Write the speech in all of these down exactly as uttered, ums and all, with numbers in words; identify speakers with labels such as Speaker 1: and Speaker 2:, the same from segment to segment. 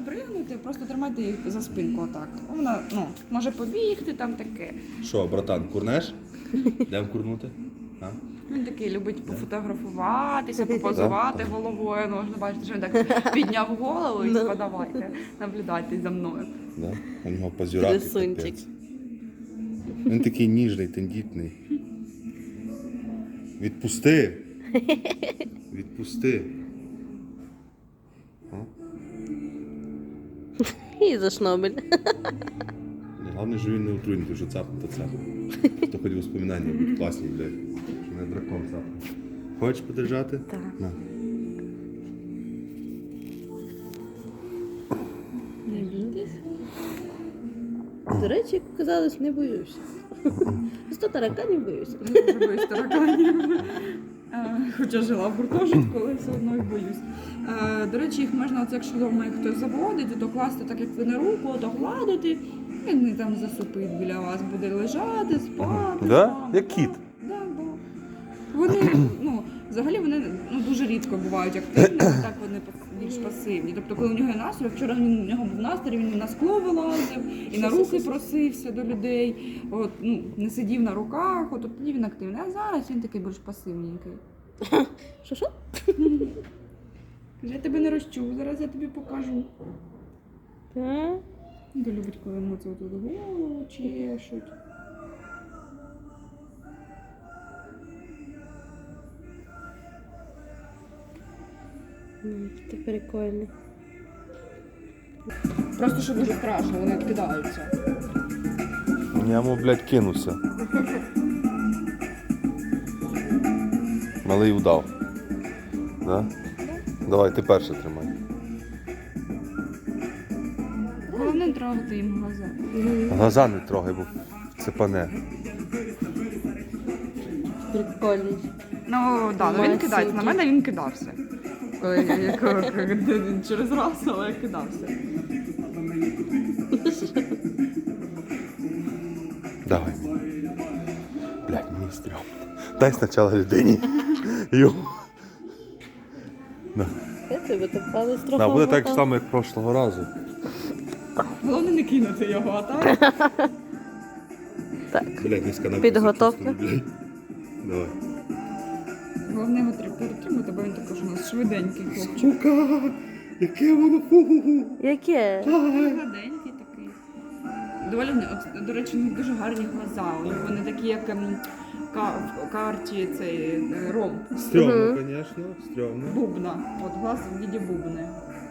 Speaker 1: Пригнути, просто тримати їх за спинку отак. Вона, ну, може побігти там таке.
Speaker 2: Що, братан, курнеш? Йдемо курнути? А?
Speaker 1: Він такий любить пофотографуватися, попозувати головою. Ну, можна бачити, що він так підняв голову і типа, давайте, наблюдайте за мною.
Speaker 2: Да? У нього позюрати.
Speaker 3: Красунчик.
Speaker 2: Він такий ніжний, тендітний. Відпусти. Відпусти. А?
Speaker 3: І за шнобель.
Speaker 2: Головне, що він не отруйний, тому що цапнув, то цапнув. То хоч воспоминання будуть класні, блядь. Що мене дракон цапнув. Хочеш подержати?
Speaker 3: Так.
Speaker 2: На.
Speaker 3: Не бійтесь. До речі, як казалось, не боюся. Сто тараканів боюся.
Speaker 1: Дуже боюсь тараканів. Е, Хоча жила в гуртожитку, але все одно їх боюсь. Е, До речі, їх можна, оце, якщо вдома їх хтось заводить, то класти так, як ви на руку, то гладити. Він не там засупить біля вас, буде лежати, спати.
Speaker 2: Да?
Speaker 1: з вами.
Speaker 2: Як кіт?
Speaker 1: Да, да. Вони, ну, взагалі вони ну, дуже рідко бувають активними, так вони більш пасивні. Тобто, коли у нього є настрій, вчора він, у нього був настрій, він на скло вилазив, і на руки просився до людей, от, ну, не сидів на руках, от, от тоді він активний. А зараз він такий більш пасивненький.
Speaker 3: Що-що?
Speaker 1: Каже, я тебе не розчув, зараз я тобі покажу.
Speaker 3: Так.
Speaker 1: Він любить, коли йому це тут голову чешуть.
Speaker 3: Ну, ти прикольний.
Speaker 1: Просто що дуже страшно, вони відкидаються.
Speaker 2: Я йому, блядь, кинувся. Малий удав. Да? Давай, ти перше тримай.
Speaker 1: Головне не трогати їм глаза.
Speaker 2: Глаза не трогай, бо цепане.
Speaker 3: Прикольний.
Speaker 1: Ну, так, да, він кидається. На мене він кидався. Коли я як- як- через раз, але кидався.
Speaker 2: Давай. Блядь, мені стрьом. Дай спочатку людині. Йо. На.
Speaker 3: Я тебе так палець трохи.
Speaker 2: На, буде так
Speaker 3: обмотав.
Speaker 2: само, як прошлого разу.
Speaker 1: Головне не кинути його, а так?
Speaker 3: Так.
Speaker 2: Блядь, низька на
Speaker 3: Підготовка.
Speaker 2: блядь. Давай.
Speaker 1: Головне його треба перетримати, бо він також у нас швиденький хлопчик.
Speaker 2: Сука! Яке воно фу!
Speaker 3: Яке?
Speaker 1: Гладенький такий. Доволі, от, до речі, у них дуже гарні глаза. У них вони такі, як ем, ка- в карті цей е, ромб.
Speaker 2: Стрьомно, звісно, стрьомно.
Speaker 1: Бубна. От глаз в віді бубни.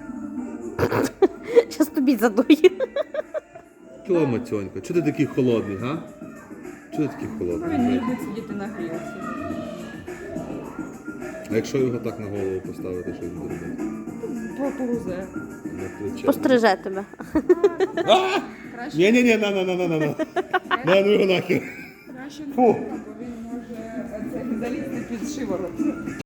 Speaker 3: Щас тобі задую.
Speaker 2: Кіло, Матьонька, чого ти такий холодний, га? Чого ти такий
Speaker 1: Ну,
Speaker 2: холодний?
Speaker 1: він не
Speaker 2: блядь?
Speaker 1: любить сидіти на грілці.
Speaker 2: А якщо його так на голову поставити, що він буде робити?
Speaker 1: Порузе.
Speaker 2: На плече.
Speaker 3: Постриже тебе.
Speaker 1: Краще,
Speaker 2: Ні-ні-ні, на-на-на-на-на. На, ну його нахер.
Speaker 1: краще не
Speaker 2: Фу.
Speaker 1: бо він може е, це, залізти під шиворот.